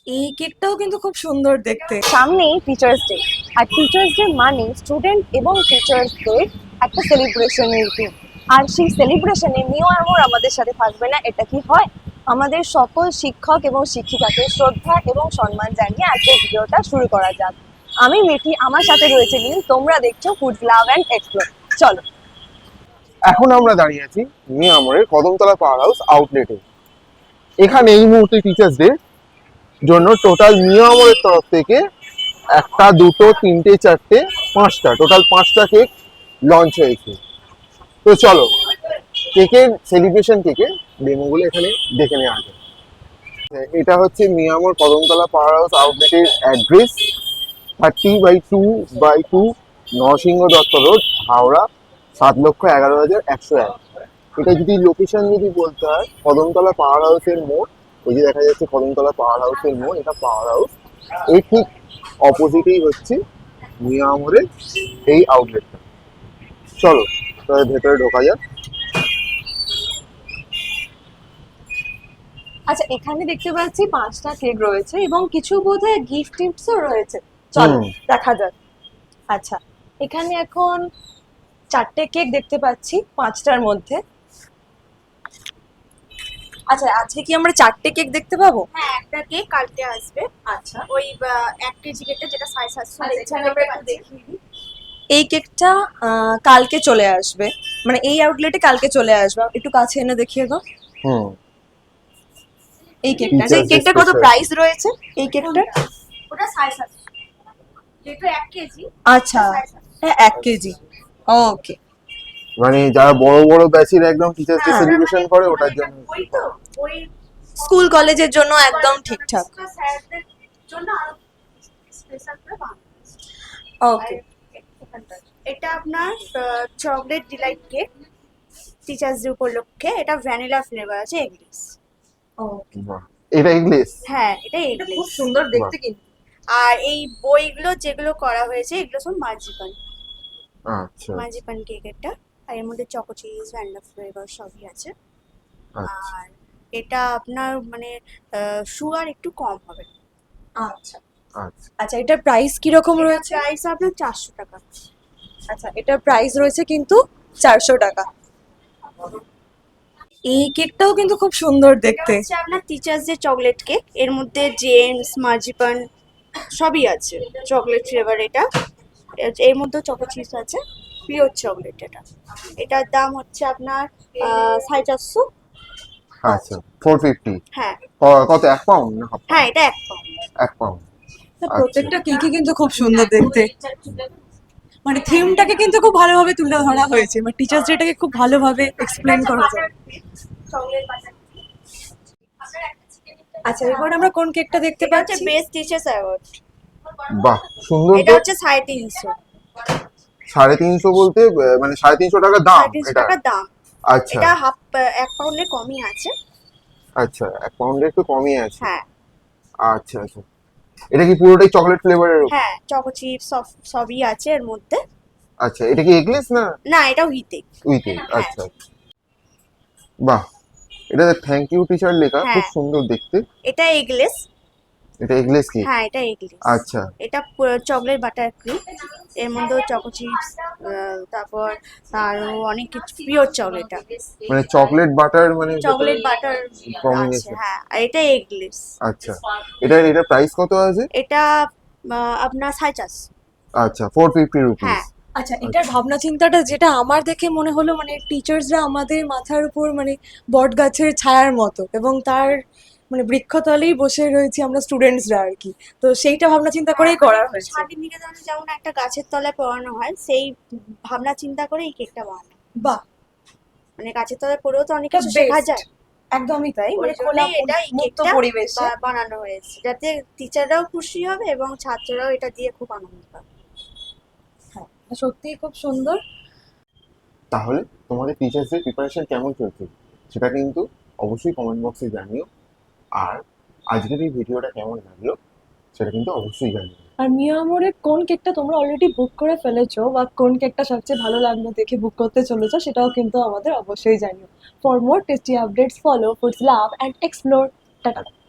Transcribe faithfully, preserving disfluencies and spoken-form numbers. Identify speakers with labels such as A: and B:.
A: এই কেকটাও কিন্তু খুব সুন্দর দেখতে।
B: সামনেই টিচার্স ডে, আর টিচার্স ডে মানে স্টুডেন্ট এবং টিচার্সদের একটা সেলিব্রেশনের দিন। আর সেই সেলিব্রেশনে মিও আমর আমাদের সাথে থাকবে না, এটা কি হয়? আমাদের সকল শিক্ষক এবং শিক্ষিকাকে শ্রদ্ধা এবং সম্মান জানিয়ে আজকের ভিডিওটা শুরু করা যাক। আমি মিঠি, আমার সাথে রয়েছে নীল, তোমরা দেখছো ফুড লাভ অ্যান্ড এক্সপ্লোর। চলো।
C: এখন আমরা দাঁড়িয়ে আছি মিয়ামরের কদমতলা পাওয়ার হাউস আউটলেটে। এখানে এই মুহূর্তে টিচার্স ডে জন্য টোটাল মিয়ামরের তরফ থেকে একটা, দুটো, তিনটে, চারটে, পাঁচটা, টোটাল পাঁচটা কেক লঞ্চ হয়েছে। তো চলো কেকের সেলিব্রেশন কেকের ডেমোগুলো এখানে দেখে নেওয়া যায়। এটা হচ্ছে মিয়ামর কদমতলা পাওয়ার হাউস আউটলেটের address, thirty by two by two Narasingha Dutta road, Howrah, সাত লক্ষ এগারো হাজার একশো এক। এটা যদি লোকেশন যদি বলতে হয়, কদমতলা পাওয়ার হাউসের মোড়, ওই যে দেখা যাচ্ছে কদমতলা পাওয়ার হাউসের মোড়, এটা পাওয়ার হাউস, এই ঠিক অপোজিটেই হচ্ছে মিয়ামরের এই আউটলেটটা। চলো তাহলে ভেতরে ঢোকা যাক।
B: আচ্ছা, এখানে দেখতে পাচ্ছি পাঁচটা কেক রয়েছে এবং কিছু বোধহয় গিফট টিপসও রয়েছে। চলো
C: হুম।
B: দেখা যাক। আচ্ছা, এখানে এখন চারটে কেক দেখতে পাচ্ছি পাঁচটার মধ্যে। আচ্ছা, আজকে কি আমরা চারটে কেক দেখতে পাবো?
D: হ্যাঁ, একটা কেক কালকে আসবে।
B: আচ্ছা,
D: ওই আহ, এক কেজি কেকটা যেটা সাড়ে সাতশো
B: আচ্ছা,
D: দেখছেন
B: এখানে আমরা
D: দেখতে
B: একটু
D: পাচ্ছেন।
B: দেখিয়ে দিই। এই কেকটা আহ, কালকে চলে আসবে, মানে এই আউটলেটে কালকে চলে আসবে। একটু কাছে এনে দেখিয়ে দাও
C: হুম।
B: এই কেকটা।
C: Teachers
B: এই
C: Day
B: কেকটা কত
C: special।
B: প্রাইস রয়েছে এই কেকটার?
D: ওটা সাড়ে সাতশো, যেহেতু এক কেজি।
B: আচ্ছা,
D: সাড়ে সাতশো।
B: হ্যাঁ এক কেজি। ওকে।
C: মানে যারা বড় বড় ব্যাচের একদম টিচার্স ডে
B: হ্যাঁ।
C: সেলিব্রেশন করে ওটার জন্য।
D: ওই তো ওই
B: স্কুল কলেজের জন্য একদম ঠিকঠাক।
D: স্যারদের জন্য আরো স্পেশাল করে বানানো।
B: ওকে।
D: এটা আপনার chocolate delight cake, teachers day উপলক্ষে। এটা ভ্যানিলা ফ্লেভার আছে, এগলেস।
B: ওকে।
C: বাহ, এটা ইংলিশ।
D: হ্যাঁ, এটা
B: এটা খুব
D: এগলেস।
B: সুন্দর দেখতে কিন্তু।
D: আর এই বইগুলো যেগুলো করা হয়েছে এগুলো সব মার্জিপান
C: আচ্ছা
D: মার্জিপান কেক এটা। আর এর মধ্যে চকো চিজ, ভ্যানিলা ফ্লেভার সবই আছে।
C: আচ্ছা
D: আর এটা আপনার মানে সুগার একটু কম হবে।
B: আচ্ছা
C: আচ্ছা।
B: আচ্ছা, এটার প্রাইস কি রকম রয়েছে?
D: প্রাইস আপনার চারশো টাকা।
B: আচ্ছা, এটার প্রাইস রয়েছে কিন্তু চারশো টাকা।
A: এই কেকটাও কিন্তু খুব সুন্দর
D: এটা
A: দেখতে।
D: হচ্ছে আপনার টিচার্স ডে চকলেট কেক। এর মধ্যে জেমস, মার্জিপান সবই আছে, চকলেট ফ্লেভার এটা। এর- এর মধ্যে চকো চিজ আছে, পিওর চকলেট এটা। এটার দাম হচ্ছে আপনার আহ, সাড়ে চারশো।
C: আচ্ছা ফোর ফিফটি।
D: হ্যাঁ
C: কত, এক পাউন্ড না হাফ
D: হ্যাঁ,
C: পাউন্ড?
D: এটা এক পাউন্ড।
C: এক পাউন্ড।
A: প্রত্যেকটা কেকই কিন্তু খুব সুন্দর দেখতে, মানে থিমটাকে কিন্তু খুব ভালোভাবে তুলে ধরা হয়েছে, মানে টিচার্স ডেটাকে খুব ভালোভাবে এক্সপ্লেন করা যায়।
D: Chocolate butter.
A: আচ্ছা, এবার আমরা কোন কেকটা দেখতে
D: এটা হচ্ছে
A: পাচ্ছি?
D: Best teachers award.
C: বাহ সুন্দর
D: এটা
C: তো।
D: হচ্ছে সাড়ে তিনশো।
C: সাড়ে তিনশো বলতে আহ, মানে সাড়ে তিনশো টাকা দাম
D: সাড়ে তিনশো
C: এটা?
D: টাকার দাম।
C: আচ্ছা
D: এটা হাফ এক পাউন্ডের কমই আছে।
C: আচ্ছা, এক পাউন্ডের একটু কমই আছে।
D: হ্যাঁ
C: আচ্ছা আচ্ছা। এটা কি পুরোটাই চকলেট ফ্লেভারের?
D: হ্যাঁ, চকো চিপস সবই আছে এর মধ্যে।
C: আচ্ছা, এটা কি এগলেস না
D: না, এটা উইথ এগ।
C: With egg? আচ্ছা আচ্ছা। বাহ, এটা থ্যাংক ইউ টিচার লেখা, খুব
D: হ্যাঁ।
C: সুন্দর দেখতে।
D: এটা এগলেস।
C: এটা এগলেস কি?
D: হ্যাঁ, এটা এগলেস।
C: আচ্ছা
D: এটা চকলেট বাটার ক্রিম। এর মধ্যেও চকো চিপস, তারপর আরো অনেক কিছু পিওর চকলেট।
C: মানে চকলেট বাটার মানে
D: চকলেট বাটার আছে।
C: কম্বিনেশন।
D: হ্যাঁ, আর এটা এগলেস।
C: আচ্ছা, এটা এটা প্রাইস কত আছে?
D: এটা আহ, আপনার সাড়ে চারশো।
C: আচ্ছা, ফোর ফিফটি রুপিস।
D: হ্যাঁ।
A: আচ্ছা, এটার ভাবনা চিন্তাটা যেটা আমার দেখে মনে হলো, মানে টিচার্সরা আমাদের মাথার উপর মানে বট গাছের ছায়ার মতো, এবং তার মানে বৃক্ষতলেই বসে রয়েছি আমরা স্টুডেন্টসরা আর কি। তো সেইটা ভাবনা চিন্তা করেই করা হয়েছে।
D: শান্তিনিকেতনে যেমন একটা গাছের তলায় পড়ানো হয়, সেই ভাবনা চিন্তা করে এই কেকটা বানানো।
A: বাহ,
D: মানে গাছের তলায় পড়েও তো অনেক
A: এটা
D: কিছু শেখা
A: best।
D: যায়।
A: একদমই তাই,
D: ওই
A: মানে খোলা
D: জন্যই এটা এই
A: মুক্ত
D: কেকটা
A: পরিবেশে।
D: বা- বানানো হয়েছে, যাতে টিচাররাও খুশি হবে এবং ছাত্ররাও এটা দিয়ে খুব আনন্দ পাবে।
A: হ্যাঁ, সত্যিই খুব সুন্দর।
C: তাহলে তোমাদের টিচার্স ডে প্রিপারেশন কেমন চলছে সেটা কিন্তু অবশ্যই কমেন্ট বক্সে জানিও। আর আজকের এই ভিডিওটা কেমন লাগলো সেটা কিন্তু অবশ্যই জানিও।
A: আর মিয়া আমরের কোন কেকটা তোমরা অলরেডি বুক করে ফেলেছো, বা কোন কেকটা সবচেয়ে ভালো লাগলো দেখে বুক করতে চলেছো, সেটাও কিন্তু আমাদের অবশ্যই জানিও। For more tasty updates follow foods love and explore. Tata.